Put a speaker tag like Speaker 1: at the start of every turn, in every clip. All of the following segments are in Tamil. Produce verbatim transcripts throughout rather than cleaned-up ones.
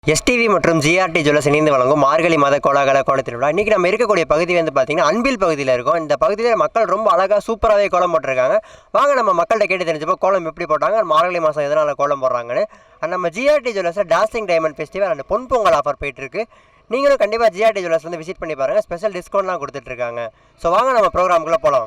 Speaker 1: எஸ்டிவி மற்றும் ஜிஆர்டி ஜுவல்லர்ஸ் இணைந்து வழங்கும் மார்கழி மாத கோலாகல கோல திருவிழா. இன்றைக்கி நம்ம இருக்கக்கூடிய பகுதி வந்து பார்த்திங்கன்னா அன்பில் பகுதியில் இருக்கும். இந்த பகுதியில் மக்கள் ரொம்ப அழகாக சூப்பராகவே கோலம் போட்டிருக்காங்க. வாங்க நம்ம மக்கள்கிட்ட கேட்டு தெரிஞ்சப்போ கோலம் எப்படி போட்டாங்க, மார்கழி மாதம் எதனால் கோலம் போடுறாங்கன்னு. அண்ட் நம்ம ஜிஆர்டி ஜுவல்லர்ஸில் டாஸ்டிங் டைமண்ட் ஃபெஸ்டிவல் அண்ட் பொன் பொங்கல் ஆஃபர் போயிட்டுருக்கு. நீங்களும் கண்டிப்பாக ஜிஆர்டி ஜுவல்லர்ஸ் வந்து விசிட் பண்ணி பாருங்கள். ஸ்பெஷல் டிஸ்கவுண்ட்லாம் கொடுத்துட்ருக்காங்க. ஸோ வாங்க நம்ம ப்ரோக்ராமுக்குள்ளே போகலாம்.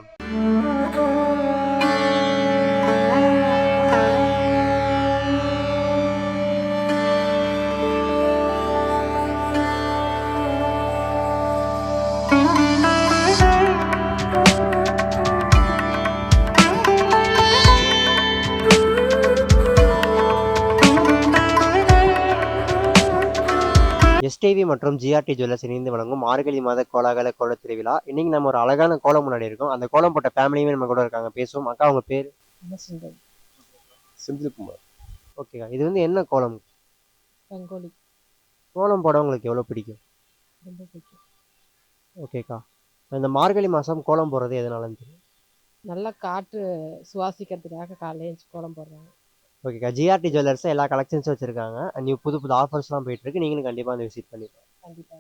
Speaker 1: எஸ்டிவி மற்றும் ஜிஆர்டி ஜுவல்லர்ஸ் இணைந்து வழங்கும் மார்கழி மாத கோலாகல கோல திருவிழா. இன்னைக்கு நம்ம ஒரு அழகான கோலம் முன்னாடி இருக்கோம். அந்த கோலம் போட்ட ஃபேமிலியுமே நம்ம கூட இருக்காங்க, பேசுவோம். அக்கா, உங்க பேர்?
Speaker 2: செந்தில்குமார்.
Speaker 1: ஓகேக்கா, இது வந்து என்ன கோலம்?
Speaker 3: ரங்கோலி.
Speaker 1: கோலம் போட உங்களுக்கு எவ்வளோ பிடிக்கும்?
Speaker 3: ரொம்ப பிடிக்கும்.
Speaker 1: ஓகேக்கா, இந்த மார்கழி மாதம் கோலம் போடுறது எதனாலன்னு தெரியும்?
Speaker 3: நல்லா காற்று சுவாசிக்கிறதுக்காக காலையில் எழுந்து கோலம் போடுறாங்க.
Speaker 1: ஓகேக்கா, ஜிஆர்டி ஜுவல்லர்ஸ் எல்லா கலெக்ஷன்ஸும் வச்சுருக்காங்க. நியூ புது புது ஆஃபர்ஸ்லாம் போயிட்டுருக்கு. நீங்களும் கண்டிப்பாக வந்து விசிட் பண்ணிப்போம்.
Speaker 3: கண்டிப்பாக.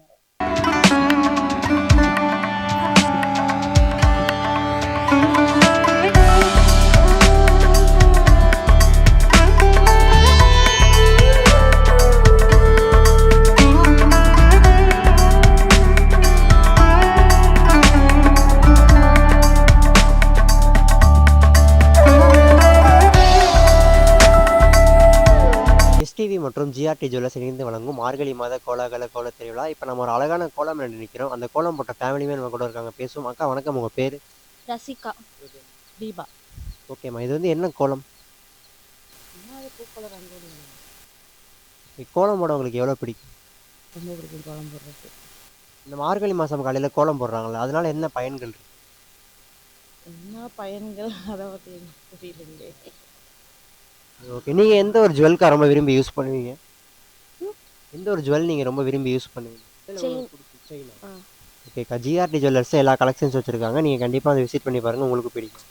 Speaker 1: எஸ்டிவி மற்றும் ஜிஆர்டி ஜுவல்லர்ஸ் இணைந்து வழங்கும் மார்கழி மாத கோலாகல கோல திருவிழா. இப்போ நம்ம ஒரு அழகான கோலம் நினைக்கிறோம். அந்த கோலம் போட்ட ஃபேமிலியுமே நம்ம கூட இருக்காங்க, பேசுவோம். அக்கா வணக்கம், உங்கள் பேர்?
Speaker 4: ரசிகா. தீபா.
Speaker 1: ஓகேம்மா, இது வந்து என்ன கோலம்?
Speaker 3: பூக்கோள ரங்கோலி.
Speaker 1: கோலம் போட உங்களுக்கு எவ்வளோ பிடிக்கும்?
Speaker 3: ரொம்ப பிடிக்கும் கோலம் போடுறது.
Speaker 1: இந்த மார்கழி மாதம் காலையில் கோலம் போடுறாங்களே, அதனால என்ன பயன்கள் இருக்கு?
Speaker 3: என்ன பயன்கள் அதை பற்றி புரியலைங்களே.
Speaker 1: ஓகே, நீங்கள் எந்த ஒரு ஜுவல்கா ரொம்ப விரும்பி யூஸ் பண்ணுவீங்க? எந்த ஒரு ஜுவல் நீங்கள் ரொம்ப விரும்பி யூஸ் பண்ணுவீங்க? ஓகேக்கா, ஜிஆர்டி ஜுவல்லர்ஸ் எல்லா கலெக்ஷன்ஸ் வச்சுருக்காங்க. நீங்கள் கண்டிப்பாக அதை விசிட் பண்ணி பாருங்கள், உங்களுக்கு பிடிக்கும்.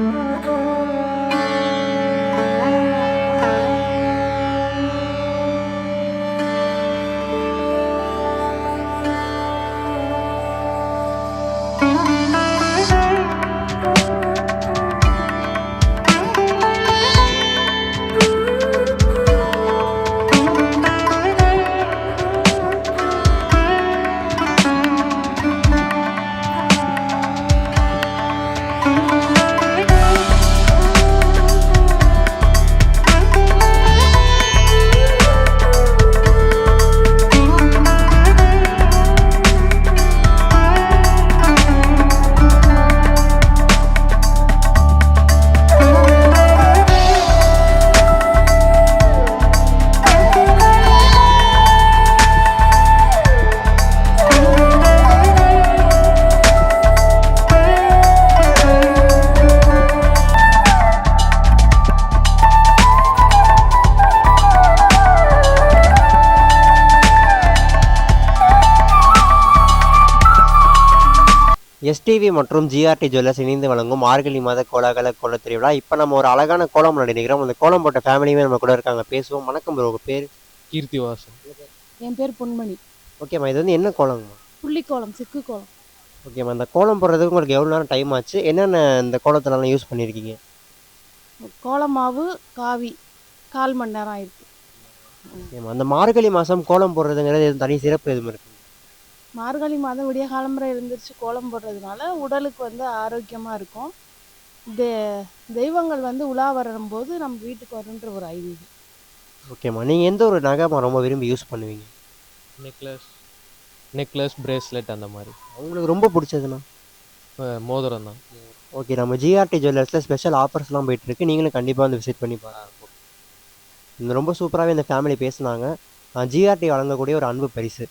Speaker 1: எஸ்டிவி மற்றும் ஜிஆர்டி ஜுவல்லர்ஸ் இணைந்து வழங்கும் மார்கழி மாத கோலாகல கோல திருவிழா. இப்போ நம்ம ஒரு அழகான கோலம் நினைக்கிறோம். அந்த கோலம் போட்ட ஃபேமிலியுமே நம்ம கூட இருக்காங்க, பேசுவோம். வணக்கம் ப்ரோ, உங்கள் பேர்?
Speaker 2: கீர்த்திவாசன்.
Speaker 3: என் பேர் பொன்மணி.
Speaker 1: ஓகேம்மா, இது வந்து என்ன கோலங்கம்மா?
Speaker 3: புள்ளிக்கோலம், சிக்கு கோலம்.
Speaker 1: ஓகேம்மா, இந்த கோலம் போடுறதுக்கு உங்களுக்கு எவ்வளோ நேரம் டைம் ஆச்சு? என்னென்ன இந்த கோலத்திலலாம் யூஸ் பண்ணியிருக்கீங்க?
Speaker 3: கோலமாவு காவி கால் மணி நேரம் ஆயிருக்கு.
Speaker 1: ஓகேம்மா, அந்த மார்கழி மாதம் கோலம் போடுறதுங்கிறது எதுவும் தனி சிறப்பு எதுவும் இருக்குது?
Speaker 3: மார்கழி மாதம் விடிய காலம்பரை எழுந்திரிச்சு கோலம் போடுறதுனால உடலுக்கு வந்து ஆரோக்கியமாக இருக்கும். தெ தெய்வங்கள் வந்து உலா வரும்போது நம்ம வீட்டுக்கு வருன்ற ஒரு ஐதீகம்.
Speaker 1: ஓகேம்மா, நீங்கள் எந்த ஒரு நகைமா ரொம்ப விரும்பி யூஸ் பண்ணுவீங்க?
Speaker 2: நெக்லஸ் நெக்லஸ் பிரேஸ்லெட் அந்த மாதிரி.
Speaker 1: உங்களுக்கு ரொம்ப பிடிச்சதுண்ணா?
Speaker 2: மோதிரம் தான்.
Speaker 1: ஓகே, நம்ம ஜிஆர்டி ஜுவல்லர்ஸில் ஸ்பெஷல் ஆஃபர்ஸ்லாம் போயிட்டுருக்கு. நீங்களும் கண்டிப்பாக வந்து விசிட் பண்ணி பாருங்க. இந்த ரொம்ப சூப்பராகவே இந்த ஃபேமிலி பேசுனாங்க. ஜிஆர்டி வழங்கக்கூடிய ஒரு அன்பு பரிசு.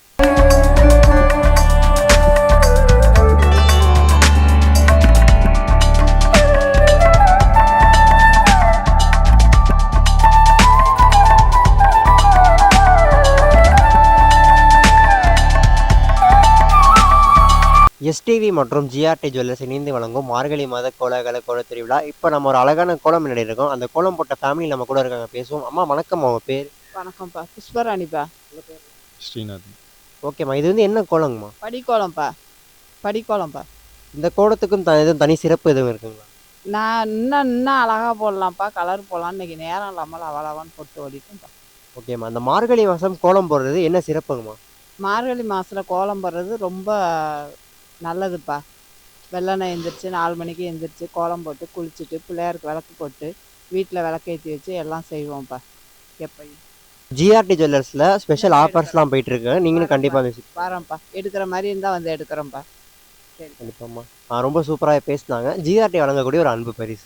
Speaker 1: எஸ்டிவி மற்றும் ஜிஆர்டி ஜுவல்லர்ஸ் இணைந்து வழங்கும் மார்கழி மாத கோலாகல கோல திருவிழா. இப்போ நம்ம ஒரு அழகான கோலம் முன்னாடி இருக்கோம். அந்த கோலம் போட்ட ஃபேமிலி நம்ம கூட இருக்காங்க, பேசுவோம். அம்மா வணக்கம், அவங்க பேர்?
Speaker 5: வணக்கம்ப்பா புஷ்பராணிப்பா.
Speaker 6: ஸ்ரீநாத்.
Speaker 1: ஓகேம்மா, இது வந்து என்ன கோலங்கம்மா?
Speaker 5: படிக்கோலம்ப்பா படிக்கோலம்ப்பா.
Speaker 1: இந்த கோலத்துக்கும் த எதுவும் தனி சிறப்பு எதுவும் இருக்குங்களா?
Speaker 5: நான் இன்னும் இன்னும் அழகா போடலாம்ப்பா, கலர் போடலாம். இன்னைக்கு நேரம் இல்லாமல் அவளவான்னு போட்டு ஓடிட்டேன்ப்பா.
Speaker 1: ஓகேம்மா, அந்த மார்கழி மாதம் கோலம் போடுறது என்ன சிறப்புங்கம்மா?
Speaker 5: மார்கழி மாதத்தில் கோலம் போடுறது ரொம்ப நல்லதுப்பா. வெள்ளனை எந்திரிச்சு நாலு மணிக்கு எந்திரிச்சு கோலம் போட்டு குளிச்சுட்டு பிள்ளையாருக்கு விளக்கு போட்டு வீட்டில் விளக்கேற்றி வச்சு எல்லாம் செய்வோம்ப்பா எப்பயும்.
Speaker 1: ஜிஆர்டி ஜுவல்லர்ஸில் ஸ்பெஷல் ஆஃபர்ஸ்லாம் போயிட்டு இருக்கு, நீங்களும் கண்டிப்பாக விசிட்
Speaker 5: வரேன்ப்பா, எடுக்கிற மாதிரி இருந்தால் வந்து எடுக்கிறோம்ப்பா. சரி.
Speaker 1: கண்டிப்பாம்மா. ஆ, ரொம்ப சூப்பராக பேசினாங்க. ஜிஆர்டி வழங்கக்கூடிய ஒரு அன்பு பரிசு.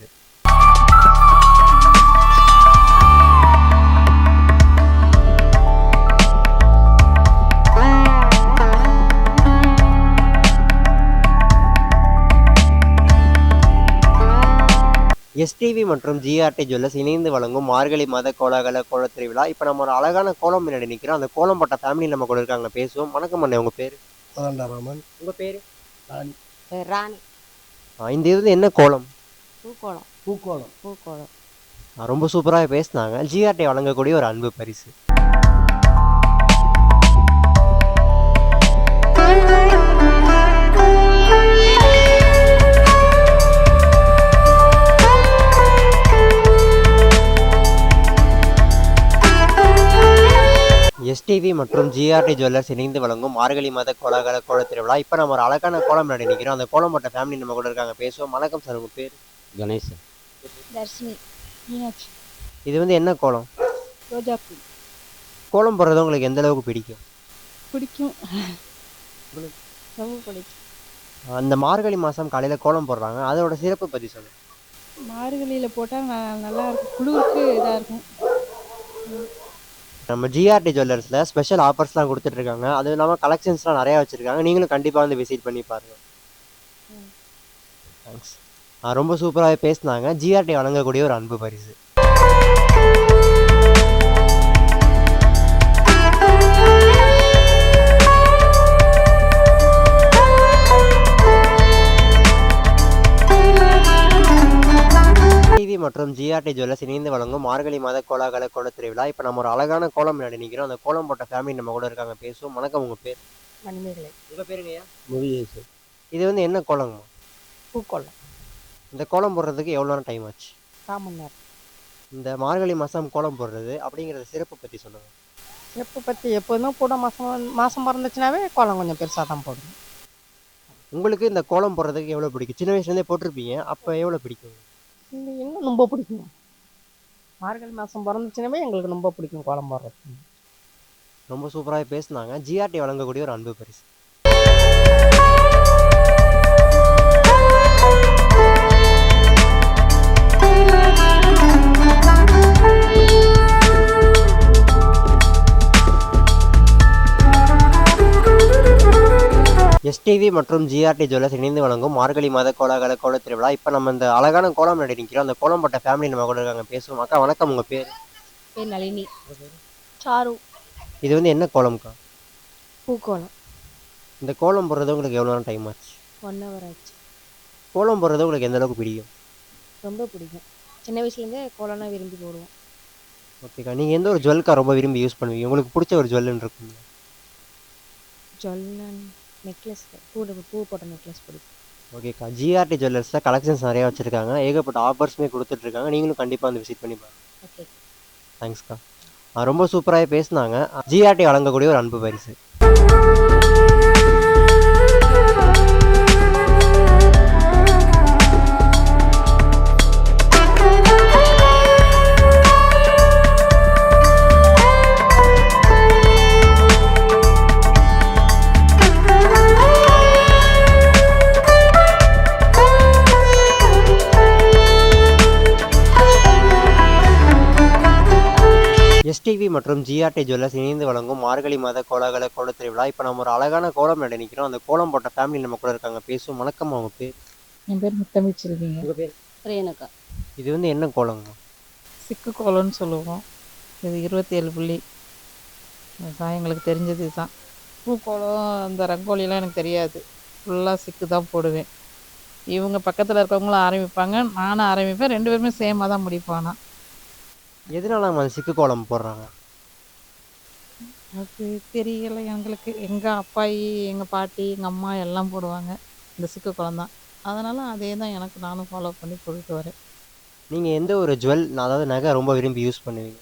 Speaker 1: எஸ்டிவி மற்றும் ஜிஆர்டி ஜுவல்லர்ஸ் இணைந்து வழங்கும் மார்கழி மாத கோலாகல கோலத் திருவிழா. இப்போ நம்ம ஒரு அழகான கோலம் முன்னாடி நிற்கிறோம். அந்த கோலம் பட்ட ஃபேமிலி நம்ம கூட இருக்காங்க, பேசுவோம். வணக்கம் அண்ணே, உங்கள் பேர்?
Speaker 7: ராமன்.
Speaker 1: உங்கள் பேர்?
Speaker 7: ராணி.
Speaker 4: ராணி.
Speaker 1: இந்த இது வந்து என்ன கோலம்?
Speaker 4: பூக்கோளம்.
Speaker 7: பூக்கோளம்.
Speaker 4: பூக்கோளம்.
Speaker 1: ஆ, ரொம்ப சூப்பராக பேசினாங்க. ஜிஆர்டி வழங்கக்கூடிய ஒரு அன்பு பரிசு. எஸ்டிவி மற்றும் ஜிஆர்டி ஜுவல்லர்ஸ் இணைந்து வழங்கும் மார்கழி மாத கோலாகல கோலத் திருவிழா. இப்போ நம்ம ஒரு அழகான கோலம் முன்னாடி நிற்கிறோம். அந்த கோலம் பட்ட ஃபேமிலி நம்ம கூட இருக்காங்க, பேசுவோம். வணக்கம் சார், உங்கள் பேர்?
Speaker 6: கணேசன்.
Speaker 4: தர்ஷினி. மீனாட்சி.
Speaker 1: இது வந்து என்ன கோலம்?
Speaker 3: ரோஜாப்பூ.
Speaker 1: கோலம் போடுறது உங்களுக்கு எந்த அளவுக்கு பிடிக்கும்?
Speaker 3: பிடிக்கும், ரொம்ப பிடிக்கும்.
Speaker 1: அந்த மார்கழி மாதம் காலையில் கோலம் போடுறாங்க, அதோட சிறப்பு பற்றி சொல்லுங்கள்.
Speaker 3: மார்கழியில் போட்டால் நல்லா இருக்கும், குளிருக்கு இதாக இருக்கும்.
Speaker 1: நம்ம ஜிஆர்டி ஜுவல்லர்ஸில் ஸ்பெஷல் ஆஃபர்ஸ்லாம் கொடுத்துட்ருக்காங்க, அதுவும் இல்லாமல் கலெக்ஷன்ஸ்லாம் நிறையா வச்சுருக்காங்க. நீங்களும் கண்டிப்பாக வந்து விசிட் பண்ணி பாருங்கள். தேங்க்ஸ். ரொம்ப சூப்பராகவே பேசினாங்க. ஜிஆர்டி வழங்கக்கூடிய ஒரு அன்பு பரிசு. டிவி மற்றும் ஜிஆர்டி ஜுவல்லர்ஸ் இணைந்து வழங்கும் மார்கழி மாத கோலாகல கோலத் திருவிழா. இப்போ நம்ம ஒரு அழகான கோலம் முன்னாடி நிற்கிறோம். அந்த கோலம் போட்ட ஃபேமிலி நம்ம கூட இருக்காங்க, பேசுவோம். வணக்கம், உங்கள் பேர்?
Speaker 4: மணிமேகலை.
Speaker 1: உங்கள் பேருங்கய்யா?
Speaker 7: முருகேசன்.
Speaker 1: இது வந்து என்ன கோலங்கம்மா?
Speaker 4: பூக்கோளம்.
Speaker 1: இந்த கோலம் போடுறதுக்கு எவ்வளோ நேரம் டைம் ஆச்சு?
Speaker 4: கால் மணி நேரம்.
Speaker 1: இந்த மார்கழி மாதம் கோலம் போடுறது அப்படிங்கிறத சிறப்பு பற்றி சொல்லுங்கள்.
Speaker 8: சிறப்பு பற்றி எப்போதும் கூட மாதம் மாதம் பிறந்துச்சுனாவே கோலம் கொஞ்சம் பெருசாக தான் போடுவோம்.
Speaker 1: உங்களுக்கு இந்த கோலம் போடுறதுக்கு எவ்வளோ பிடிக்கும்? சின்ன வயசுலேருந்தே போட்டிருப்பீங்க, அப்போ எவ்வளோ பிடிக்கும்?
Speaker 8: இது இன்னும் ரொம்ப பிடிக்கும். மார்கழி மாதம் பிறந்துச்சுனாவே எங்களுக்கு ரொம்ப பிடிக்கும் கோலம் போடுறது.
Speaker 1: ரொம்ப சூப்பராக பேசினாங்க. ஜிஆர்டி வழங்கக்கூடிய ஒரு அன்பு பரிசு. எஸ்டிவி மற்றும் ஜிஆர்டி ஜுவல்லர்ஸ் இணைந்து வழங்கும் மார்கழி மாத கோலாகல கோலத் திருவிழா. இப்போ நம்ம இந்த அழகான கோலம் முன்னாடி நிற்கிறோம். அந்த கோலம் பட்ட ஃபேமிலி நம்ம கூட இருக்காங்க, பேசுவோம். அக்கா வணக்கம், உங்கள் பேர்?
Speaker 4: பேர் நளினி. சாரு.
Speaker 1: இது வந்து என்ன கோலம்க்கா?
Speaker 4: பூக்கோளம்.
Speaker 1: இந்த கோலம் போடுறது உங்களுக்கு எவ்வளோ நேரம் டைம் ஆச்சு?
Speaker 4: ஒன் ஹவர் ஆச்சு.
Speaker 1: கோலம் போடுறது உங்களுக்கு எந்த அளவுக்கு பிடிக்கும்?
Speaker 4: ரொம்ப பிடிக்கும். சின்ன வயசுலேருந்தே கோலம்னா விரும்பி போடுவோம்.
Speaker 1: ஓகேக்கா, நீங்கள் எந்த ஒரு ஜுவல்க்கா ரொம்ப விரும்பி யூஸ் பண்ணுவீங்க? உங்களுக்கு பிடிச்ச ஒரு ஜுவல்லுன்னு இருக்குங்க.
Speaker 4: ஜொல்லன் நெக்லஸ், பூ பூ போட்ட நெக்லஸ் பிடிக்கும்.
Speaker 1: ஓகேக்கா, ஜிஆர்டி ஜுவல்லர்ஸில் கலெக்ஷன்ஸ் நிறையா வச்சுருக்காங்க, ஏகப்பட்ட ஆஃபர்ஸுமே கொடுத்துட்ருக்காங்க. நீங்களும் கண்டிப்பாக வந்து விசிட் பண்ணி பாருங்க.
Speaker 4: ஓகே.
Speaker 1: தேங்க்ஸ்க்கா. ரொம்ப சூப்பராகவே பேசினாங்க. ஜிஆர்டி வழங்கக்கூடிய ஒரு அன்பு பரிசு. எஸ்டிவி மற்றும் ஜிஆர்டி ஜுவல்லர்ஸ் இணைந்து வழங்கும் மார்கழி மாத கோலாகல கோலத் திருவிழா. இப்போ நம்ம ஒரு அழகான கோலம் முன்னாடி நிற்கிறோம். அந்த கோலம் போட்ட ஃபேமிலி நம்ம கூட இருக்காங்க, பேசுவோம். வணக்கம், அவங்க பேர்?
Speaker 8: என் பேர் முத்தமிழ் செல்விங்க.
Speaker 1: உங்கள் பேர்?
Speaker 4: ரேணுகா.
Speaker 1: இது வந்து என்ன கோலங்க?
Speaker 8: சிக்கு கோலம்னு சொல்லுவோம். இது இருபத்தி ஏழு புள்ளி தான் எங்களுக்கு தெரிஞ்சது தான். பூக்கோலம் அந்த ரங்கோலிலாம் எனக்கு தெரியாது, ஃபுல்லாக சிக்கு தான் போடுவேன். இவங்க பக்கத்தில் இருக்கவங்களும் ஆரம்பிப்பாங்க, நானும் ஆரம்பிப்பேன். ரெண்டு பேருமே சேமாக தான் முடிப்போம். ஆனால்
Speaker 1: எதனால நம்ம அந்த சிக்கு கோலம் போடுறாங்க?
Speaker 8: அது தெரியல எங்களுக்கு. எங்கள் அப்பாயி எங்கள் பாட்டி எங்கள் அம்மா எல்லாம் போடுவாங்க இந்த சிக்கு குளம் தான். அதனால் அதே தான் எனக்கு நானும் ஃபாலோ பண்ணி போட்டுட்டு வரேன்.
Speaker 1: நீங்கள் எந்த ஒரு ஜுவல் அதாவது நகை ரொம்ப விரும்பி யூஸ் பண்ணுவீங்க?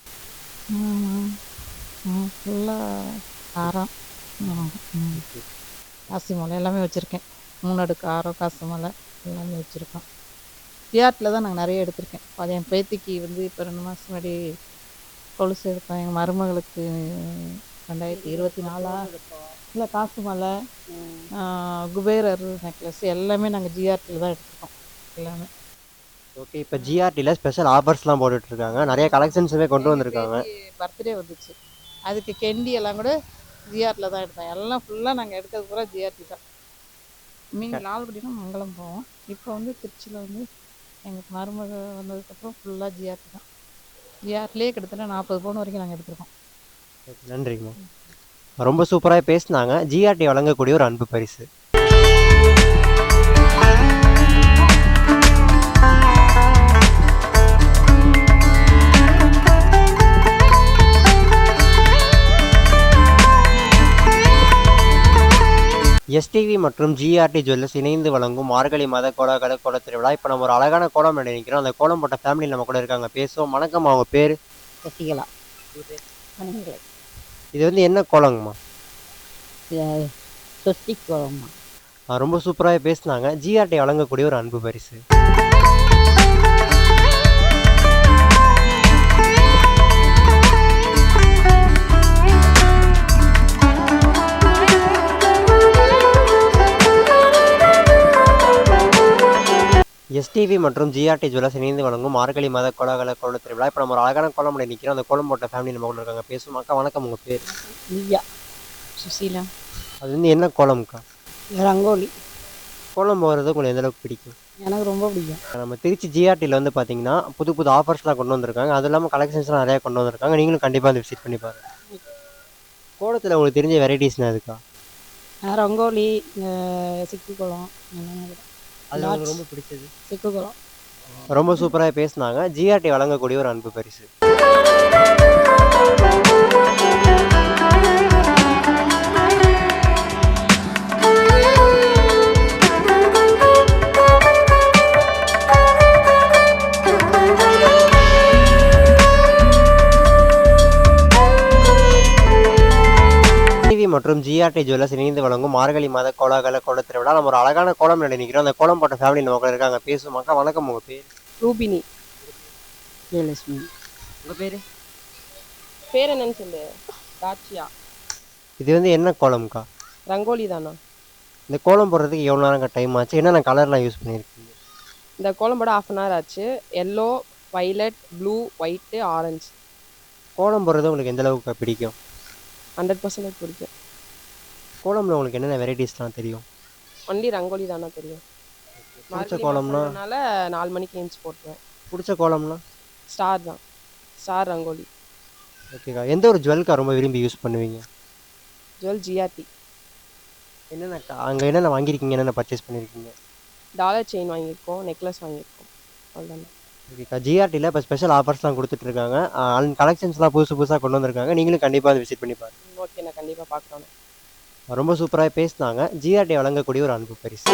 Speaker 8: ஃபுல்லாக ஆரம், ம், ம். காசி மாலை எல்லாமே வச்சுருக்கேன். மூணு அடுக்கு ஆரம், காசு மாலை எல்லாமே வச்சுருக்கோம். ஜிஆர்டில் தான் நாங்கள் நிறைய எடுத்திருக்கேன். அது என் பேத்திக்கு வந்து இப்போ ரெண்டு மாதம் முன்னாடி கொலுசு எடுத்தோம். எங்கள் மருமகளுக்கு ரெண்டாயிரத்தி இருபத்தி நாலா இல்லை காசு மாலை, ஆ, குபேரர் நெக்லஸ் எல்லாமே நாங்கள் ஜிஆர்டியில் தான் எடுத்திருக்கோம் எல்லாமே.
Speaker 1: ஓகே, இப்போ ஜிஆர்டியில் ஸ்பெஷல் ஆஃபர்ஸ்லாம் போட்டுட்ருக்காங்க, நிறைய கலெக்ஷன்ஸுமே கொண்டு வந்திருக்காங்க.
Speaker 8: பர்த்டே வந்துச்சு, அதுக்கு கெண்டி எல்லாம் கூட ஜிஆர்டியில் தான் எடுத்தோம். எல்லாம் ஃபுல்லாக நாங்கள் எடுக்கிறது பூரா ஜிஆர்டி தான். மீன் லால்குடினா மங்களம் போவோம். இப்போ வந்து திருச்சியில் வந்து எங்கள் மருமக வந்ததுக்கப்புறம் ஃபுல்லாக ஜிஆர்டி தான். ஜிஆர்டிலே கிட்டத்தட்ட நாற்பது பவுன் வரைக்கும் நாங்கள் எடுத்திருக்கோம்.
Speaker 1: நன்றிங்கம்மா. ரொம்ப சூப்பராக பேசினாங்க. ஜிஆர்டி வழங்கக்கூடிய ஒரு அன்பு பரிசு. எஸ்டிவி மற்றும் ஜிஆர்டி ஜுவல்லர்ஸ் இணைந்து வழங்கும் மார்கழி மாத கோலாகல கோல திருவிழா. இப்போ நம்ம ஒரு அழகான கோலம் மேடை நிற்கிறோம். அந்த கோலம் போட்ட ஃபேமிலி நம்ம கூட இருக்காங்க, பேசுவோம். வணக்கம், அவங்க பேர்?
Speaker 7: சசிகலா. மணிமேகலை.
Speaker 1: இது வந்து என்ன கோலங்கம்மா?
Speaker 7: சொஸ்டிக் கோலம்மா.
Speaker 1: ஆ, ரொம்ப சூப்பராக பேசினாங்க. ஜிஆர்டி வழங்கக்கூடிய ஒரு அன்பு பரிசு. எஸ்டிவி மற்றும் ஜிஆர்டி ஜுவல்லர்ஸ் இணைந்து வழங்கும் மார்கழி மாத கோலாகல கோல திருவிழா. இப்போ நம்ம ஒரு அழகான கோலம் மேடை நிற்கிறோம். அந்த கோலம் போட்ட ஃபேமிலி நம்ம கூட இருக்காங்க, பேசுவோம். அக்கா வணக்கம், உங்கள் பேர்?
Speaker 7: திவ்யா. சுசீலா.
Speaker 1: அது வந்து என்ன கோலம்க்கா?
Speaker 7: ரங்கோலி.
Speaker 1: கோலம் போகிறது உங்களுக்கு எந்த அளவுக்கு பிடிக்கும்?
Speaker 7: எனக்கு ரொம்ப பிடிக்கும்.
Speaker 1: நம்ம திருச்சி ஜிஆர்டியில் வந்து பார்த்தீங்கன்னா புது புது ஆஃபர்ஸ்லாம் கொண்டு வந்திருக்காங்க. அது இல்லாமல் கலெக்ஷன்ஸ்லாம் நிறையா கொண்டு வந்திருக்காங்க. நீங்களும் கண்டிப்பாக வந்து விசிட் பண்ணி பாருங்க. கோலத்தில் உங்களுக்கு தெரிஞ்ச வெரைட்டிஸ்னா இருக்கா?
Speaker 7: நான் ரங்கோலி, அஹ், சிக்கு குளம், எல்லாமே.
Speaker 1: அது உங்களுக்கு ரொம்ப பிடிச்சது?
Speaker 7: சிக்கு குளம்.
Speaker 1: ரொம்ப சூப்பராக பேசினாங்க. ஜிஆர்டி வழங்கக்கூடிய ஒரு அன்பு பரிசு. டிவி மற்றும் ஜிஆர்டி ஜுவல்லர்ஸ் இணைந்து வழங்கும் மார்கழி மாத கோலாகல கோல திருவிழா. நம்ம ஒரு அழகான கோலம் மேடை நிற்கிறோம். அந்த கோலம் போட்ட ஃபேமிலி நம்ம கூட இருக்காங்க, பேசுவோம். அக்கா வணக்கம், உங்கள் பேர்?
Speaker 7: ரூபினி. ஜெயலட்சுமி.
Speaker 1: உங்கள் பேர்?
Speaker 9: பேர் என்னன்னு சொல்லு. தாட்சியா.
Speaker 1: இது வந்து என்ன கோலம்க்கா?
Speaker 9: ரங்கோலி தானா?
Speaker 1: இந்த கோலம் போடுறதுக்கு எவ்வளோ நேரம் டைம் ஆச்சு? என்னென்ன கலர்லாம் யூஸ் பண்ணியிருக்கீங்க?
Speaker 9: இந்த கோலம் போட ஆஃப் அன் ஹவர் ஆச்சு. Yellow, violet, blue, white, orange.
Speaker 1: கோலம் போடுறது உங்களுக்கு எந்த அளவுக்கு பிடிக்கும்?
Speaker 9: ஹண்ட்ரட் பர்சன்டேஜ் பிடிக்கும்.
Speaker 1: கோலம்ல உங்களுக்கு என்னென்ன வெரைட்டிஸ்லாம் தெரியும்?
Speaker 9: ஒன்லி ரங்கோலி தானா தெரியும்.
Speaker 1: பிடிச்ச கோலம்னா?
Speaker 9: அதனால நாலு மணிக்கு ஏஞ்சி போட்டுருவேன்.
Speaker 1: பிடிச்ச கோலம்னா?
Speaker 9: ஸ்டார் தான். ஸ்டார் ரங்கோலி.
Speaker 1: ஓகேக்கா. எந்த ஒரு ஜுவல்க்கா ரொம்ப விரும்பி யூஸ் பண்ணுவீங்க?
Speaker 9: Jewel GRT.
Speaker 1: என்னென்னக்கா அங்கே என்னென்ன வாங்கியிருக்கீங்க, என்னென்ன பர்ச்சேஸ் பண்ணியிருக்கீங்க?
Speaker 9: டாலர் செயின் வாங்கியிருக்கோம், நெக்லஸ் வாங்கியிருக்கோம். அவ்வளோதானே.
Speaker 1: ஓகேக்கா. ஜிஆர்டியில் இப்போ ஸ்பெஷல் ஆஃபர்ஸ்லாம் கொடுத்துட்ருக்காங்க. கலெக்ஷன்ஸ்லாம் புதுசு புதுசாக கொண்டு வந்திருக்காங்க. நீங்களும் கண்டிப்பாக வந்து விசிட் பண்ணி பாருங்க.
Speaker 9: ஓகே, நான் கண்டிப்பாக பார்க்குறேன்.
Speaker 1: ரொம்ப சூப்பராக பேசினாங்க. ஜிஆர்டி வழங்கக்கூடிய ஒரு அன்பு பரிசு.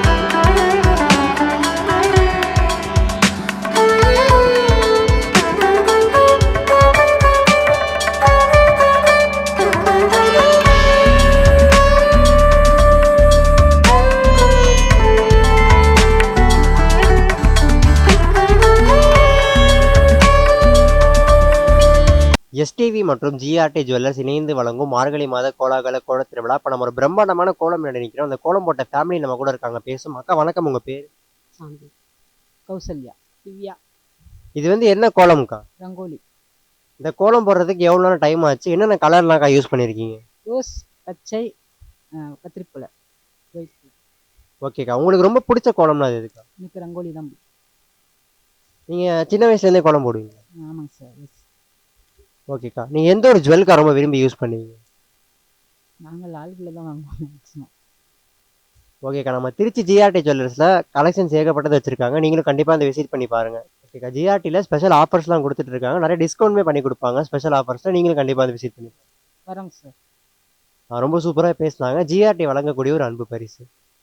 Speaker 1: எஸ்டிவி மற்றும் ஜிஆர்டி ஜுவல்லர்ஸ் இணைந்து வழங்கும் மார்கழி மாத கோலாகல கோல திருவிழா. இப்போ நம்ம ஒரு பிரம்மாண்டமான கோலம் மேடை நிற்கிறோம். அந்த கோலம் போட்ட ஃபேமிலி நம்ம கூட இருக்காங்க, பேசும். அக்கா வணக்கம், உங்கள் பேர்?
Speaker 7: சாந்தி. கௌசல்யா. திவ்யா.
Speaker 1: இது வந்து என்ன கோலம்க்கா?
Speaker 7: ரங்கோலி.
Speaker 1: இந்த கோலம் போடுறதுக்கு எவ்வளோ நேரம் டைம் ஆச்சு? என்னென்ன கலர்லாம்க்கா யூஸ் பண்ணியிருக்கீங்க?
Speaker 7: ரோஸ், பச்சை, அஹ், கத்திரிப்பழம். ஒயிட்.
Speaker 1: ஓகேக்கா. உங்களுக்கு ரொம்ப பிடிச்ச கோலம்னா அது எதுக்கா?
Speaker 7: எனக்கு ரங்கோலி தான் பிடிக்கும்.
Speaker 1: நீங்கள் சின்ன வயசுலேருந்தே கோலம் போடுவீங்க?
Speaker 7: ஆமாங்க சார். எஸ்.
Speaker 1: ஓகேக்கா. நீங்கள் எந்த ஒரு ஜுவல்க்கா ரொம்ப விரும்பி யூஸ் பண்ணுவீங்க?
Speaker 7: நாங்கள் லால்குடியில் தான் வாங்குவோம் மேக்ஸிமம்.
Speaker 1: ஓகேக்கா. நம்ம திருச்சி ஜிஆர்டி ஜுவல்லர்ஸில் கலெக்ஷன்ஸ் ஏகப்பட்டது வச்சுருக்காங்க. நீங்களும் கண்டிப்பாக அந்த விசிட் பண்ணி பாருங்கள். ஓகேக்கா. ஜிஆர்டியில் ஸ்பெஷல் ஆஃபர்ஸ்லாம் கொடுத்துட்டு இருக்காங்க. நிறைய டிஸ்கவுண்ட்மே பண்ணி கொடுப்பாங்க ஸ்பெஷல் ஆஃபர்ஸில். நீங்களும் கண்டிப்பாக அந்த விசிட் பண்ணி பாருங்க.
Speaker 7: வரோங்க சார்.
Speaker 1: ஆ, ரொம்ப சூப்பராக பேசினாங்க. ஜிஆர்டி வழங்கக்கூடிய ஒரு அன்பு பரிசு.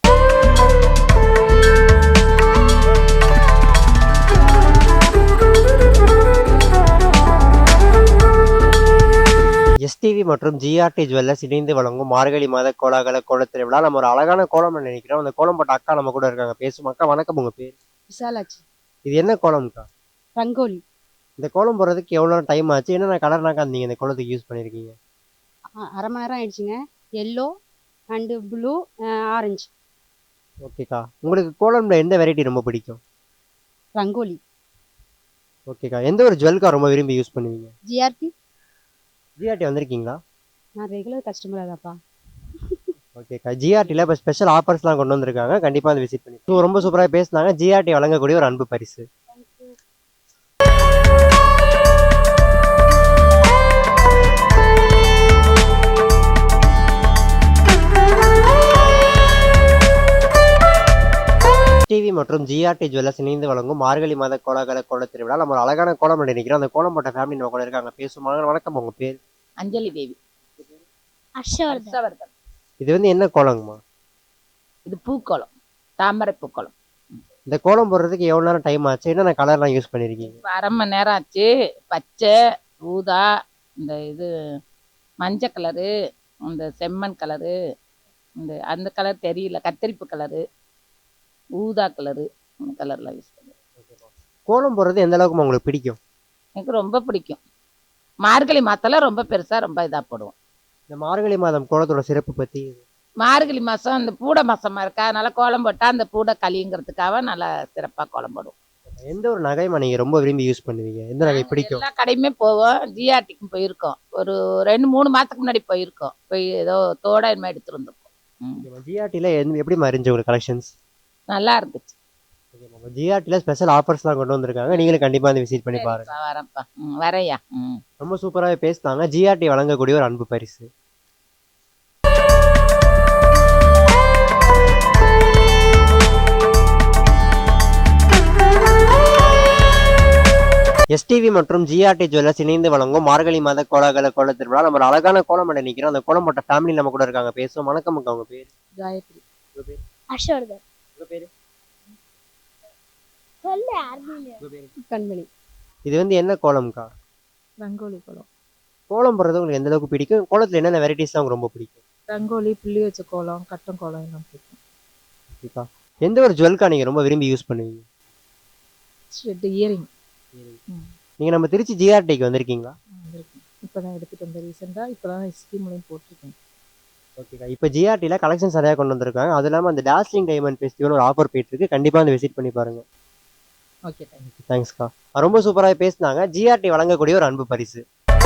Speaker 1: எஸ்டிவி மற்றும் ஜிஆர்டி ஜுவல்லர்ஸ் இணைந்து வழங்கும் மார்கழி மாத கோலாகல கோலத் திருவிழா. நம்ம ஒரு அழகான கோலம் நினைக்கிறோம். அந்த கோலம் போட்ட அக்கா நம்ம கூட இருக்காங்க. பேசும் அக்கா, வணக்கம். உங்க பேர்?
Speaker 7: விசாலாட்சி.
Speaker 1: இது என்ன கோலம்க்கா?
Speaker 7: ரங்கோலி.
Speaker 1: இந்த கோலம் போடுறதுக்கு எவ்வளோ டைம் ஆச்சு? என்னென்ன கலர்னாக்கா நீங்கள் இந்த கோலத்துக்கு யூஸ் பண்ணியிருக்கீங்க?
Speaker 7: அ- அரை மணி நேரம் ஆயிடுச்சுங்க. Yellow and blue orange.
Speaker 1: ஓகேக்கா. உங்களுக்கு கோலம்ல எந்த வெரைட்டி ரொம்ப பிடிக்கும்?
Speaker 7: ரங்கோலி.
Speaker 1: ஓகேக்கா. எந்த ஒரு ஜுவல்க்கா ரொம்ப விரும்பி யூஸ் பண்ணுவீங்க?
Speaker 7: ஜிஆர்டி.
Speaker 1: ஜிஆர்டி வந்திருக்கீங்களா?
Speaker 7: நான் ரெகுலர் கஸ்டமராக தான்ப்பா.
Speaker 1: ஓகேக்கா. ஜிஆர்டியில் இப்போ ஸ்பெஷல் ஆஃபர்ஸ்லாம் கொண்டு வந்திருக்காங்க. கண்டிப்பாக அதை விசிட் பண்ணி. ஸோ ரொம்ப சூப்பராக பேசினாங்க. ஜிஆர்டி வழங்கக்கூடிய ஒரு அன்பு பரிசு. டிவி மற்றும் ஜிஆர்டி ஜுவல்லர்ஸ் இணைந்து வழங்கும் மார்கழி மாத கோலாகல கோலத் திருவிழா. நம்ம ஒரு அழகான கோலம் நினைக்கிறோம். அந்த கோலம் போட்ட ஃபேமிலி நம்ம கூட இருக்காங்க. பேசுவாங்க. வணக்கம். உங்க பேர்?
Speaker 10: அஞ்சலி தேவி.
Speaker 4: ஹர்ஷவர்தன்.
Speaker 10: ஹர்ஷவர்தன்.
Speaker 1: இது வந்து என்ன கோலங்கம்மா?
Speaker 10: இது பூக்கோளம், தாமரை பூக்கோளம்.
Speaker 1: இந்த கோலம் போடுறதுக்கு எவ்வளோ நேரம் டைம் ஆச்சு? என்னென்ன கலர்லாம் யூஸ் பண்ணியிருக்கீங்க?
Speaker 10: இப்போ அரை மணி நேரம் ஆச்சு. பச்சை, ஊதா, இந்த இது மஞ்சள் கலரு, இந்த செம்மண் கலரு, இந்த அந்த கலர் தெரியல, கத்தரிப்பு கலரு, ஊதா கலரு, இந்த கலர்லாம் யூஸ் பண்ணுவேன்.
Speaker 1: கோலம் போடுறது எந்த அளவுக்கு உங்களுக்கு பிடிக்கும்?
Speaker 10: எனக்கு ரொம்ப பிடிக்கும். மார்கழி மாதத்தில் ரொம்ப பெருசாக ரொம்ப இதாக போடுவோம்.
Speaker 1: இந்த மார்கழி மாதம் கோலத்தோட சிறப்பு பற்றி?
Speaker 10: மார்கழி மாதம் இந்த பூடை மாதமாக இருக்கா, அதனால கோலம் போட்டால் அந்த பூடை கலிங்கிறதுக்காக நல்லா சிறப்பாக கோலம் போடுவோம்.
Speaker 1: எந்த ஒரு நகைமா நீங்கள் ரொம்ப விரும்பி யூஸ் பண்ணுவீங்க? எந்த நகை பிடிக்கும்?
Speaker 10: எல்லா கடையுமே போவோம். ஜிஆர்டிக்கும் போயிருக்கோம். ஒரு ரெண்டு மூணு மாதத்துக்கு முன்னாடி போயிருக்கோம். போய் ஏதோ தோட இனிமே எடுத்துட்டு வந்திருக்கோம்.
Speaker 1: ஜிஆர்டியில் எப்படி இருந்துச்சு உங்களுக்கு கலெக்ஷன்ஸ்?
Speaker 10: நல்லா இருந்துச்சு.
Speaker 1: ஜிஆர்டியில் ஸ்பெஷல் ஆஃபர்ஸ்லாம் கொண்டு வந்திருக்காங்க. நீங்களும் கண்டிப்பாக வந்து விசிட் பண்ணி பாருங்க.
Speaker 10: சரிப்பா, வரேன்ப்பா. ம் வரையா. ம்
Speaker 1: ரொம்ப சூப்பராகவே பேசினாங்க. ஜிஆர்டி வழங்கக்கூடிய ஒரு அன்பு பரிசு. எஸ்டிவி மற்றும் ஜிஆர்டி ஜுவல்லர்ஸ் இணைந்து வழங்கும் மார்கழி மாத கோலாகல கோலத் திருவிழா. நம்ம ஒரு அழகான கோலம் நினைக்கிறோம். அந்த கோலம் போட்ட ஃபேமிலி நம்ம கூட இருக்காங்க. பேசுவோம். வணக்கம் அக்கா. உங்க பேர்?
Speaker 7: காயத்ரி.
Speaker 1: உங்க பேர்?
Speaker 4: ஹர்ஷவர்தன்.
Speaker 1: உங்க பேர்?
Speaker 4: சொல்லு யாருமே.
Speaker 1: உங்க பேர்?
Speaker 7: கண்மணி.
Speaker 1: இது வந்து என்ன கோலம்க்கா?
Speaker 8: ரங்கோலி கோலம்.
Speaker 1: கோலம் போடுறது உங்களுக்கு எந்த அளவுக்கு பிடிக்கும்? கோலத்தில் என்னென்ன வெரைட்டிஸ்லாம் உங்களுக்கு ரொம்ப பிடிக்கும்?
Speaker 8: ரங்கோலி, புள்ளி வச்ச கோலம், கட்டம் கோலம் எல்லாம் பிடிக்கும்.
Speaker 1: ஓகேக்கா. எந்த ஒரு ஜுவல்க்கா நீங்கள் ரொம்ப விரும்பி யூஸ் பண்ணுவீங்க?
Speaker 8: ஸ்வெட் இயரிங்.
Speaker 1: நீங்கள் நம்ம திருச்சி ஜிஆர்டிக்கு வந்திருக்கீங்களா?
Speaker 8: வந்திருக்கேன். இப்போ தான் எடுத்துகிட்டு வந்தேன் ரீசெண்டாக. இப்போ தான் ஸ்கீம்லையும் போட்டிருக்கேன்.
Speaker 1: ஓகேக்கா. இப்போ ஜிஆர்டியில் கலெக்ஷன் சரியாக கொண்டு வந்திருக்காங்க. அது இல்லாமல் அந்த டாஸ்லிங் டைமண்ட் ஃபெஸ்டிவல் ஒரு ஆஃபர் போயிட்டு இருக்கு. கண்டிப்பாக வந்து விசிட் பண்ணி பாருங்க.
Speaker 8: Okay, thank you.
Speaker 1: தேங்க்ஸ்க்கா. ரொம்ப சூப்பராக பேசினாங்க. ஜிஆர்டி வழங்கக்கூடிய ஒரு அன்பு பரிசு.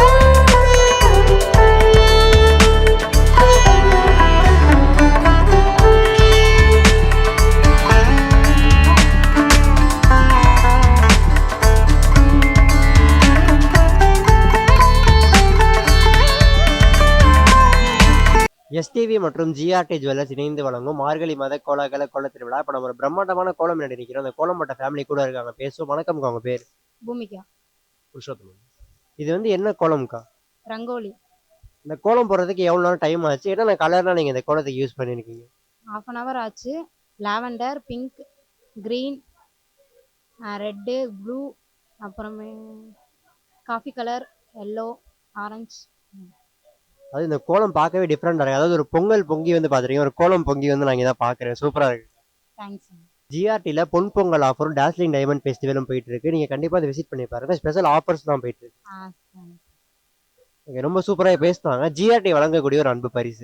Speaker 1: எஸ்டிவி மற்றும் ஜிஆர்டி ஜுவல்லர்ஸ் இணைந்து வழங்கும் மார்கழி மாத கோலாகல கோலத் திருவிழா. இப்போ நம்ம ஒரு பிரம்மாண்டமான கோலம் நினைக்கிறோம். அந்த கோலம் போட்ட ஃபேமிலி கூட இருக்காங்க. பேசுவோம். வணக்கம்க்கா. உங்க பேர்?
Speaker 7: பூமிகா.
Speaker 1: புருஷோத்தமன். இது வந்து என்ன கோலம்க்கா?
Speaker 7: ரங்கோலி.
Speaker 1: இந்த கோலம் போடுறதுக்கு எவ்வளோ நேரம் டைம் ஆச்சு? என்னென்ன கலர்லாம் நீங்கள் இந்த கோலத்துக்கு யூஸ் பண்ணியிருக்கீங்க?
Speaker 7: ஹாஃப் அன் ஹவர் ஆச்சு. Lavender, pink, green, red, blue, அப்புறமே காஃபி கலர், எல்லோ, ஆரஞ்சு.
Speaker 1: அது இந்த கோலம் பார்க்கவே டிஃப்ரெண்டாக இருக்குது. அதாவது ஒரு பொங்கல் பொங்கி வந்து பார்த்துருக்கீங்க. ஒரு கோலம் பொங்கி வந்து நான் இங்கே தான் பார்க்குறேன். சூப்பராக இருக்குது.
Speaker 7: தேங்க்ஸ்.
Speaker 1: ஜிஆர்டியில் பொன் பொங்கல் ஆஃபரும் டாஸ்லிங் டைமண்ட் ஃபெஸ்டிவலும் போயிட்டு இருக்கு. நீங்கள் கண்டிப்பாக அதை விசிட் பண்ணி பாருங்க. ஸ்பெஷல் ஆஃபர்ஸ் தான் போயிட்டு இருக்கு.
Speaker 7: ஆ தேங்க்ஸ்.
Speaker 1: ஓகே. ரொம்ப சூப்பராக பேசினாங்க. ஜிஆர்டி வழங்கக்கூடிய ஒரு அன்பு பரிசு.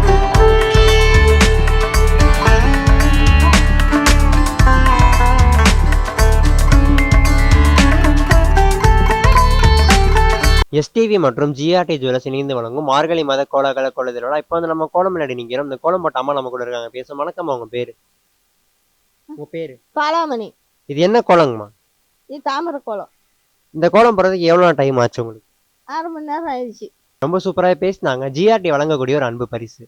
Speaker 1: எஸ்டிவி மற்றும் ஜிஆர்டி ஜுவல்லர்ஸ் இணைந்து வழங்கும் மார்கழி மாத கோலாகல கோலத் திருவிழா. இப்போ வந்து நம்ம கோலம் முன்னாடி நிற்கிறோம். இந்த கோலம் போட்ட அம்மா நம்ம கூட இருக்காங்க. பேசுவோம். வணக்கம். உங்க பேர்? உங்க பேர்?
Speaker 3: பாலாமணி.
Speaker 1: இது என்ன கோலங்கம்மா?
Speaker 3: இது தாமரை கோலம்.
Speaker 1: இந்த கோலம் போடுறதுக்கு எவ்வளோ டைம் ஆச்சு உங்களுக்கு?
Speaker 3: அரை மணி நேரம் ஆயிடுச்சு.
Speaker 1: ரொம்ப சூப்பராக பேசினாங்க. ஜிஆர்டி வழங்கக்கூடிய ஒரு அன்பு பரிசு.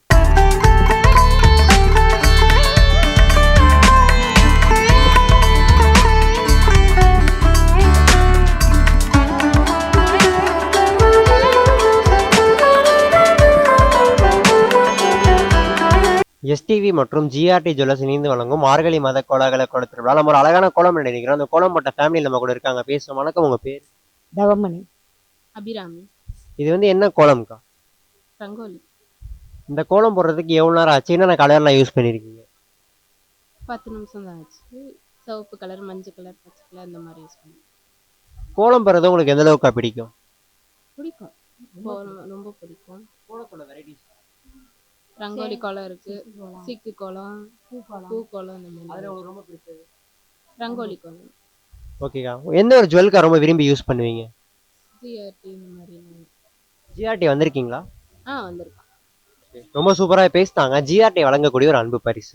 Speaker 1: எஸ்டிவி மற்றும் ஜிஆர்டி ஜுவல்லர்ஸ் இணைந்து வழங்கும் மார்கழி மாத கோலாகல கோல திருவிழா. நம்ம ஒரு அழகான கோலம் நினைக்கிறோம். அந்த கோலம் போட்ட ஃபேமிலி நம்ம கூட இருக்காங்க, பேசுவோம். வணக்கம், உங்க பேர்?
Speaker 4: தவமணி. அபிராமி.
Speaker 1: இது வந்து என்ன கோலம்க்கா?
Speaker 4: ரங்கோலி.
Speaker 1: இந்த கோலம் போடுறதுக்கு எவ்வளோ நேரம் ஆச்சு? என்னென்ன கலர்லாம் யூஸ் பண்ணியிருக்கீங்க?
Speaker 4: பத்து நிமிஷம் தான் ஆச்சு. சிவப்பு கலர், மஞ்சள் கலர், பச்சை கலர் இந்த மாதிரி யூஸ் பண்ணி
Speaker 1: கோலம் போடுறது உங்களுக்கு எந்த அளவுக்கா பிடிக்கும்?
Speaker 4: பிடிக்கும். கோலம் ரொம்ப பிடிக்கும்.
Speaker 1: கோலத்தோட வெரைட்டிஸ்
Speaker 4: ரங்கோலி கோலம் இருக்கு, சிக்கு கோலம், பூ கோலம் இந்த மாதிரி.
Speaker 1: அதில் உங்களுக்கு ரொம்ப பிடிச்சது
Speaker 4: ரங்கோலி கோலம்.
Speaker 1: ஓகேக்கா. எந்த ஒரு ஜுவல்க்கா ரொம்ப விரும்பி யூஸ் பண்ணுவீங்க?
Speaker 4: ஜிஆர்டி இந்த மாதிரி.
Speaker 1: ஜிஆர்டி வந்திருக்கீங்களா?
Speaker 4: ஆ வந்திருக்கோம்.
Speaker 1: ரொம்ப சூப்பராக பேசினாங்க. ஜிஆர்டி வழங்கக்கூடிய ஒரு அன்பு பரிசு.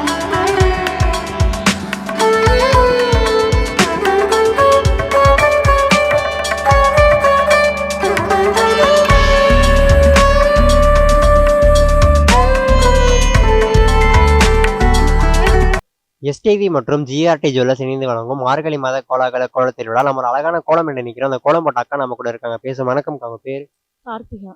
Speaker 1: எஸ்டிவி மற்றும் ஜிஆர்டி ஜுவல்லர்ஸ் இணைந்து வழங்கும் மார்கழி மாத கோலாகல கோல திருவிழா. நம்ம ஒரு அழகான கோலம் என்று நினைக்கிறோம். அந்த கோலம் போட்ட அக்கா நம்ம கூட இருக்காங்க, பேசும். வணக்கம், அவங்க பேர்?
Speaker 3: கார்த்திகா.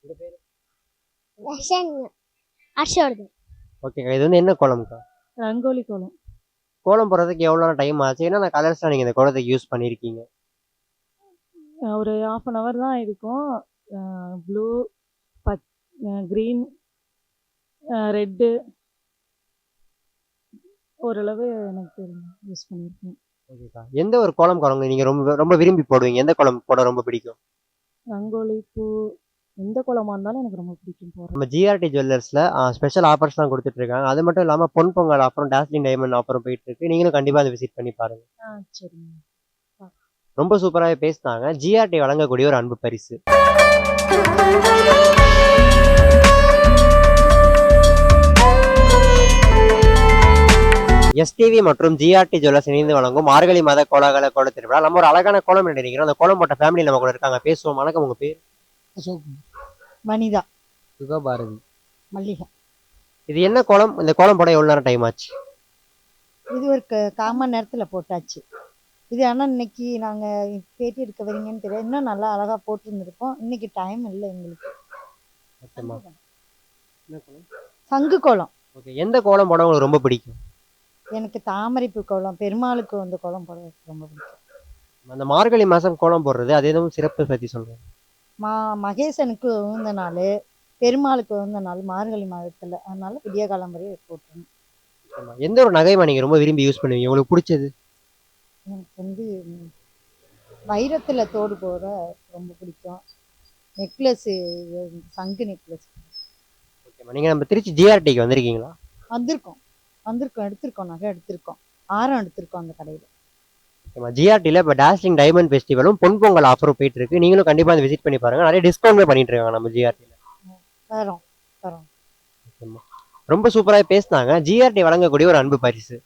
Speaker 1: ஓகேக்கா. இது வந்து என்ன கோலம்க்கா?
Speaker 3: ரங்கோலி கோலம்.
Speaker 1: கோலம் போடுறதுக்கு எவ்வளோ டைம் ஆச்சு? என்னென்ன கலர்ஸ்லாம் நீங்கள் இந்த கோலத்துக்கு யூஸ் பண்ணியிருக்கீங்க?
Speaker 3: ஒரு ஹாஃப் அன் ஹவர் தான் இருக்கும். ப்ளூ, பச் க்ரீன், ரெட்டு, ஓரளவு எனக்கு யூஸ் பண்ணியிருக்கேன்.
Speaker 1: ஓகேக்கா. எந்த ஒரு கோலம் கோலம் நீங்கள் ரொம்ப ரொம்ப விரும்பி போடுவீங்க? எந்த கோலம் போட ரொம்ப பிடிக்கும்?
Speaker 3: ரங்கோலி, பூ, எந்த கோலமாக இருந்தாலும் எனக்கு ரொம்ப பிடிக்கும் போடுறது.
Speaker 1: நம்ம ஜிஆர்டி ஜுவல்லர்ஸில் ஸ்பெஷல் ஆஃபர்ஸ்லாம் கொடுத்துட்ருக்காங்க. அது மட்டும் இல்லாமல் பொன் பொங்கல் ஆஃபரும் டாஸ்லிங் டைமண்ட் ஆஃபரும் போயிட்டு இருக்கு. நீங்களும் கண்டிப்பாக அதை விசிட் பண்ணி பாருங்கள்.
Speaker 3: ஆ சரிங்க.
Speaker 1: ரொம்ப சூப்பராகவே பேசினாங்க. ஜிஆர்டி வழங்கக்கூடிய ஒரு அன்பு பரிசு. எஸ்டிவி மற்றும் ஜிஆர்டி ஜுவல்லர்ஸ் இணைந்து வழங்கும் மார்கழி மாத கோலாகல கோல திருவிழா. நம்ம ஒரு அழகான கோலம் நினைக்கிறோம். அந்த கோலம் போட்ட ஃபேமிலி நம்ம கூட இருக்காங்க, பேசுவோம். வணக்கம், உங்க பேர்?
Speaker 5: வனிதா.
Speaker 2: சுகபாரதி.
Speaker 5: மல்லிகா.
Speaker 1: இது என்ன கோலம்? இந்த கோலம் போட எவ்வளோ நேரம் டைம் ஆச்சு?
Speaker 5: இது ஒரு கால் மணி நேரத்தில் போட்டாச்சு. இது ஆனால் இன்னைக்கு நாங்கள் பேட்டி எடுக்க வரீங்கன்னு தெரியாது. இன்னும் நல்லா அழகாக போட்டுருந்துருக்கோம். இன்னைக்கு டைம் இல்லை எங்களுக்கு.
Speaker 1: ஓகேம்மா. என்ன கோலம்?
Speaker 5: சங்கு கோலம்.
Speaker 1: ஓகே. எந்த கோலம் போட உங்களுக்கு ரொம்ப பிடிக்கும்?
Speaker 5: எனக்கு தாமரைப்பூ கோலம், பெருமாளுக்கு வந்து கோலம் போட ரொம்ப பிடிக்கும்.
Speaker 1: அந்த மார்கழி மாதம் கோலம் போடுறது அது எதுவும் சிறப்பு பற்றி சொல்கிறேன்.
Speaker 5: மா மகேசனுக்கு உகந்த நாள், பெருமாளுக்கு உகந்த நாள் மார்கழி மாதத்தில். அதனால விடிய காலம் வரையும் போட்டுருணும்.
Speaker 1: எந்த ஒரு நகைமா நீங்கள் ரொம்ப விரும்பி யூஸ் பண்ணுவீங்க, உங்களுக்கு பிடிச்சது?
Speaker 5: எனக்கு வந்து வைரத்தில் தோடு போட ரொம்ப பிடிக்கும். நெக்லஸ்ஸு, சங்கு நெக்லஸ்.
Speaker 1: ஓகேம்மா. நீங்கள் நம்ம திருச்சி ஜிஆர்டிக்கு வந்திருக்கீங்களா?
Speaker 5: வந்திருக்கோம் வந்திருக்கோம் எடுத்திருக்கோம் நகை எடுத்திருக்கோம். ஆரம் எடுத்திருக்கோம் அந்த கடையில்.
Speaker 1: ஓகேம்மா. ஜிஆர்டியில் இப்போ டாஸ்லிங் டைமண்ட் ஃபெஸ்டிவலும் பொன் பொங்கல் ஆஃபரும் போயிட்டு இருக்கு. நீங்களும் கண்டிப்பாக அதை விசிட் பண்ணி பாருங்கள். நிறைய டிஸ்கவுண்ட்மே பண்ணிட்டு இருக்காங்க நம்ம ஜிஆர்டியில்.
Speaker 5: தரோம் தரோம்.
Speaker 1: ஓகேம்மா. ரொம்ப சூப்பராக பேசினாங்க. ஜிஆர்டி வழங்கக்கூடிய ஒரு அன்பு பரிசு.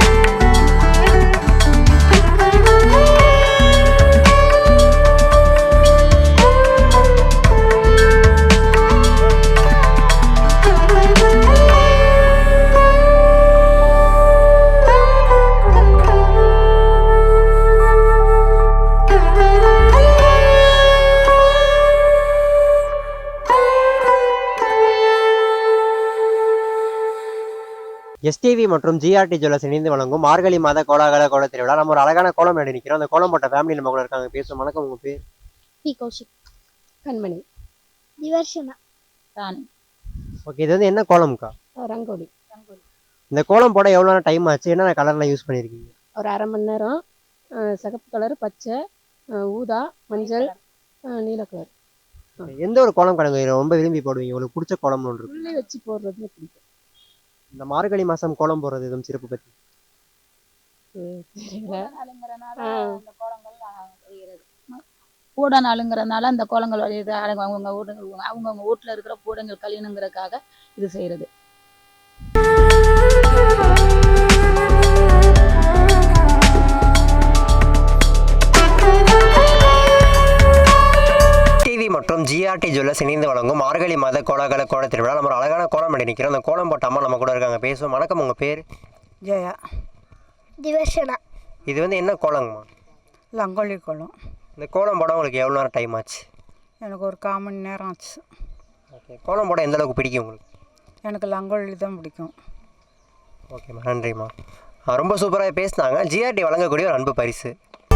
Speaker 1: எஸ்டிவி மற்றும் ஜிஆர்டி ஜுவல்லர்ஸ் இணைந்து வழங்கும் மார்கழி மாத கோலாகல கோல திருவிழா. நம்ம ஒரு அழகான கோலம் என்று நிற்கிறோம். அந்த கோலம் போட்ட ஃபேமிலி நம்ம கூட இருக்காங்க, பேசுவோம். வணக்கம், உங்க பேர்?
Speaker 4: பி கௌஷிக். கண்மணி.
Speaker 7: திவர்ஷனா.
Speaker 4: ராணி.
Speaker 1: ஓகே. இது வந்து என்ன கோலம்க்கா?
Speaker 4: ரங்கோலி. ரங்கோலி.
Speaker 1: இந்த கோலம் போட எவ்வளோ நேரம் டைம் ஆச்சு? என்னென்ன கலர்லாம் யூஸ் பண்ணியிருக்கீங்க?
Speaker 4: ஒரு அரை மணி நேரம். சிகப்பு கலர், பச்சை, ஊதா, மஞ்சள், நீல கலர்.
Speaker 1: எந்த ஒரு கோலம் கலங்க ரொம்ப விரும்பி போடுவீங்க, உங்களுக்கு பிடிச்ச கோலம்னு ஒன்று இருக்கு?
Speaker 4: உள்ளே வச்சு போடுறது பிடிக்கும்.
Speaker 1: இந்த மார்கழி மாதம் கோலம் போடுறது எதுவும் சிறப்பு பற்றி?
Speaker 10: பூட நாளுங்கிறதுனால அந்த கோலங்கள் இது அவங்கவுங்க வீடு அவங்கவுங்க வீட்டில் இருக்கிற பூடங்கள் கழியணுங்கிறதுக்காக இது செய்கிறது.
Speaker 1: டிவி மற்றும் ஜிஆர்டி ஜுவல்லர்ஸ் இணைந்து வழங்கும் மார்கழி மாத கோலாகல கோல திருவிழா. நம்ம ஒரு அழகான கோலம் பண்ணி நிற்கிறோம். அந்த கோலம் போட்ட அம்மா நம்ம கூட இருக்காங்க, பேசுவோம். வணக்கம், உங்கள் பேர்?
Speaker 5: ஜெயா.
Speaker 7: திவர்ஷனா.
Speaker 1: இது வந்து என்ன கோலங்கம்மா?
Speaker 5: ரங்கோலி கோலம்.
Speaker 1: இந்த கோலம் போட உங்களுக்கு எவ்வளோ நேரம் டைம் ஆச்சு?
Speaker 5: எனக்கு ஒரு கால் மணி நேரம் ஆச்சு.
Speaker 1: ஓகே. கோலம் போட எந்த அளவுக்கு பிடிக்கும் உங்களுக்கு?
Speaker 11: எனக்கு ரங்கோலி தான் பிடிக்கும்.
Speaker 1: ஓகேம்மா, நன்றிம்மா. ஆ, ரொம்ப சூப்பராக பேசினாங்க. ஜிஆர்டி வழங்கக்கூடிய ஒரு அன்பு பரிசு.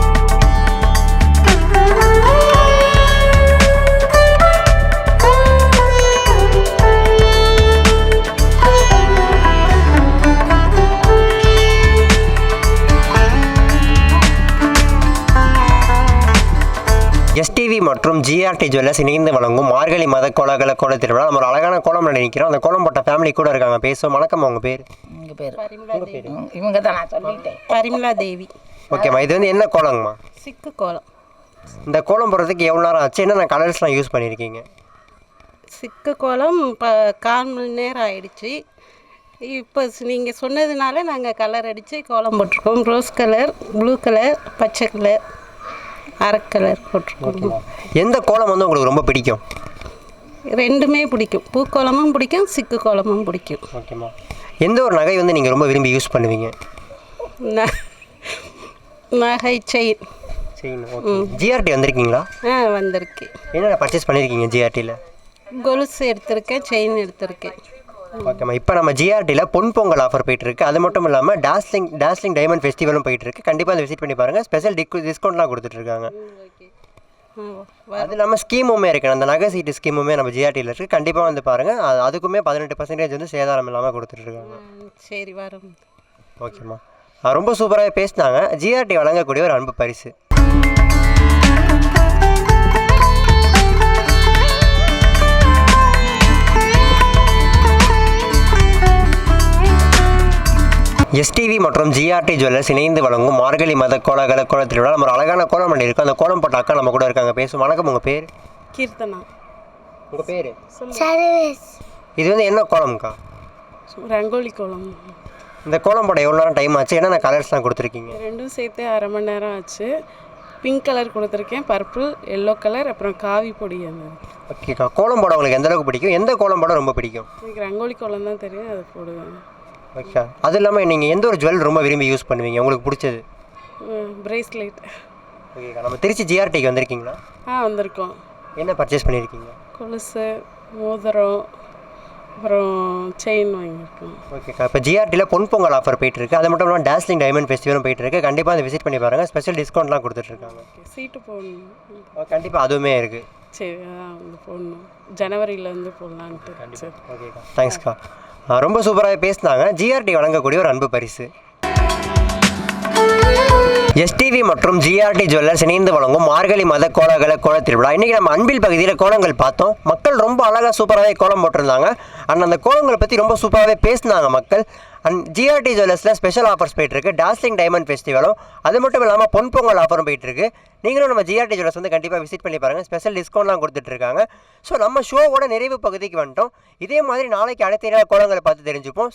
Speaker 1: எஸ்டிவி மற்றும் ஜிஆர்டி ஜுவல்லர்ஸ் இணைந்து வழங்கும் மார்கழி மத கோலாகல கோல திருவிழா. நம்ம ஒரு அழகான கோலம் நினைக்கிறோம். அந்த கோலம் போட்ட ஃபேமிலி கூட இருக்காங்க, பேசுவோம். வணக்கம், உங்கள் பேர்?
Speaker 10: உங்கள் பேர் இவங்க தான், நான் சொல்லிட்டேன்.
Speaker 11: பரிமலா தேவி.
Speaker 1: ஓகேம்மா, இது வந்து என்ன கோலங்கம்மா?
Speaker 11: சிக்கு கோலம்.
Speaker 1: இந்த கோலம் போடுறதுக்கு எவ்வளோ நேரம் ஆச்சு? என்னென்ன கலர்ஸ்லாம் யூஸ் பண்ணியிருக்கீங்க?
Speaker 11: சிக்கு கோலம் இப்போ கால் மணி நேரம் ஆயிடுச்சு. இப்போ நீங்கள் சொன்னதுனால நாங்கள் கலர் அடித்து கோலம் போட்டிருக்கோம். ரோஸ் கலர், ப்ளூ கலர், பச்சை கலர், அரை கலர் போட்டிருக்கோம்.
Speaker 1: எந்த கோலம் வந்து உங்களுக்கு ரொம்ப பிடிக்கும்?
Speaker 11: ரெண்டுமே பிடிக்கும். பூக்கோலமும் பிடிக்கும், சிக்கு கோலமும் பிடிக்கும்.
Speaker 1: ஓகேம்மா, எந்த ஒரு நகை வந்து நீங்கள் ரொம்ப விரும்பி யூஸ் பண்ணுவீங்க?
Speaker 11: ந நகை செயின்.
Speaker 1: செயின். ஓகே. ஜிஆர்டி வந்திருக்கீங்களா?
Speaker 11: ஆ, வந்திருக்கு.
Speaker 1: என்னென்ன பர்ச்சேஸ் பண்ணியிருக்கீங்க ஜிஆர்டியில்?
Speaker 11: கொலுசு எடுத்திருக்கேன், செயின் எடுத்திருக்கேன்.
Speaker 1: ஓகேம்மா, இப்போ நம்ம ஜிஆர்டியில் பொன் பொங்கல் ஆஃபர் போயிட்டுருக்கு. அது மட்டும் இல்லாமல் டாஸ்லிங் டாஸ்லிங் டைமண்ட் ஃபெஸ்டிவலும் போயிட்டுருக்கு. கண்டிப்பாக அதை விசிட் பண்ணி பாருங்கள். ஸ்பெஷல் டிக் டிஸ்கவுண்ட்லாம் கொடுத்துட்ருக்காங்க. அது இல்லாமல் ஸ்கீமுமே இருக்குது. அந்த நகை சீட்டு ஸ்கீமுமே நம்ம ஜிஆர்டியில் இருக்குது. கண்டிப்பாக வந்து பாருங்கள். அது அதுக்குமே பதினெட்டு பர்சன்டேஜ் வந்து சேதாரம் இல்லாமல் கொடுத்துட்ருக்காங்க.
Speaker 11: சரி, வரோம்.
Speaker 1: ஓகேம்மா, ரொம்ப சூப்பராக பேசினாங்க. ஜிஆர்டி வழங்கக்கூடிய ஒரு அன்பு பரிசு. எஸ்டிவி மற்றும் ஜிஆர்டி ஜுவல்லர்ஸ் இணைந்து வழங்கும் மார்கழி மத கோலாகல கோல திருவிழா. நம்ம ஒரு அழகான கோலம் பண்ணி இருக்கோம். அந்த கோலம் போட்ட அக்கா நம்ம கூட இருக்காங்க, பேசுவோம். வணக்கம், உங்கள் பேர்?
Speaker 11: கீர்த்தனா.
Speaker 1: உங்கள் பேர்?
Speaker 3: சர்வேஸ்.
Speaker 1: இது வந்து என்ன கோலம்க்கா?
Speaker 11: ரங்கோலி கோலம்.
Speaker 1: இந்த கோலம் போட எவ்வளோ நேரம் டைம் ஆச்சு? என்னென்ன கலர்ஸ்லாம் கொடுத்துருக்கீங்க?
Speaker 11: ரெண்டும் சேர்த்து அரை மணி நேரம் ஆச்சு. பிங்க் கலர் கொடுத்துருக்கேன், பர்பிள், எல்லோ கலர், அப்புறம் காவி பொடி. அந்த
Speaker 1: ஓகேக்கா, கோலம் போட உங்களுக்கு எந்த அளவுக்கு பிடிக்கும்? எந்த கோலம் போட ரொம்ப பிடிக்கும்?
Speaker 11: எனக்கு ரங்கோலி கோலம் தான் தெரியும், அதை போடுவேன்.
Speaker 1: ஓகே. அது இல்லாமல் நீங்கள் எந்த ஒரு ஜுவல் ரொம்ப விரும்பி யூஸ் பண்ணுவீங்க, உங்களுக்கு பிடிச்சது?
Speaker 11: பிரேஸ்லெட்.
Speaker 1: ஓகேக்கா, நம்ம திருச்சி ஜிஆர்டிக்கு வந்திருக்கீங்களா?
Speaker 11: ஆ, வந்திருக்கோம்.
Speaker 1: என்ன பர்ச்சேஸ் பண்ணியிருக்கீங்க?
Speaker 11: கொலுசு, மோதிரம், அப்புறம் செயின் வாங்கியிருக்கோம்.
Speaker 1: ஓகேக்கா, இப்போ ஜிஆர்டியில் பொன் பொங்கல் ஆஃபர் போயிட்டுருக்கு. அது மட்டும் இல்லாமல் டாஸ்லிங் டைமண்ட் ஃபெஸ்டிவலும் போயிட்டுருக்கு. கண்டிப்பாக அதை விசிட் பண்ணி பாருங்கள். ஸ்பெஷல் டிஸ்கவுண்ட்லாம் கொடுத்துட்ருக்காங்க.
Speaker 11: சீட்டு போடணும்.
Speaker 1: கண்டிப்பாக அதுவுமே இருக்குது.
Speaker 11: சரி, அதான் வந்து போடணும். ஜனவரியில் வந்து போடலான்ட்டு.
Speaker 1: கண்டிப்பாக. ஓகேக்கா, தேங்க்ஸ்க்கா. ரொம்ப சூப்பராக பேசினாங்க. ஜிஆர்டி வழங்கக்கூடிய ஒரு அன்பு பரிசு. எஸ்டிவி மற்றும் ஜிஆர்டி ஜுவல்லர்ஸ் இணைந்து வழங்கும் மார்கழி மத கோலாகல கோல திருவிழா. இன்றைக்கி நம்ம அன்பில் பகுதியில் கோலங்கள் பார்த்தோம். மக்கள் ரொம்ப அழகாக சூப்பராகவே கோலம் போட்டிருந்தாங்க. அண்ட் அந்த கோலங்களை பற்றி ரொம்ப சூப்பராகவே பேசினாங்க மக்கள். அண்ட் ஜிஆர்டி ஜுவல்லர்ஸில் ஸ்பெஷல் ஆஃபர்ஸ் போயிட்டுருக்கு. டாஸ்லிங் டைமண்ட் ஃபெஸ்டிவலும் அது மட்டும் இல்லாமல் பொன் பொங்கல் ஆஃபரும் போயிட்டுருக்கு. நீங்களும் நம்ம ஜிஆர்டி ஜுவல்லர்ஸ் வந்து கண்டிப்பாக விசிட் பண்ணி பாருங்கள். ஸ்பெஷல் டிஸ்கவுண்ட்லாம் கொடுத்துட்ருக்காங்க. ஸோ நம்ம ஷோவோட நிறைவு பகுதிக்கு வந்துட்டோம். இதே மாதிரி நாளைக்கு அடுத்த கோலங்களை பார்த்து தெரிஞ்சுப்போம்.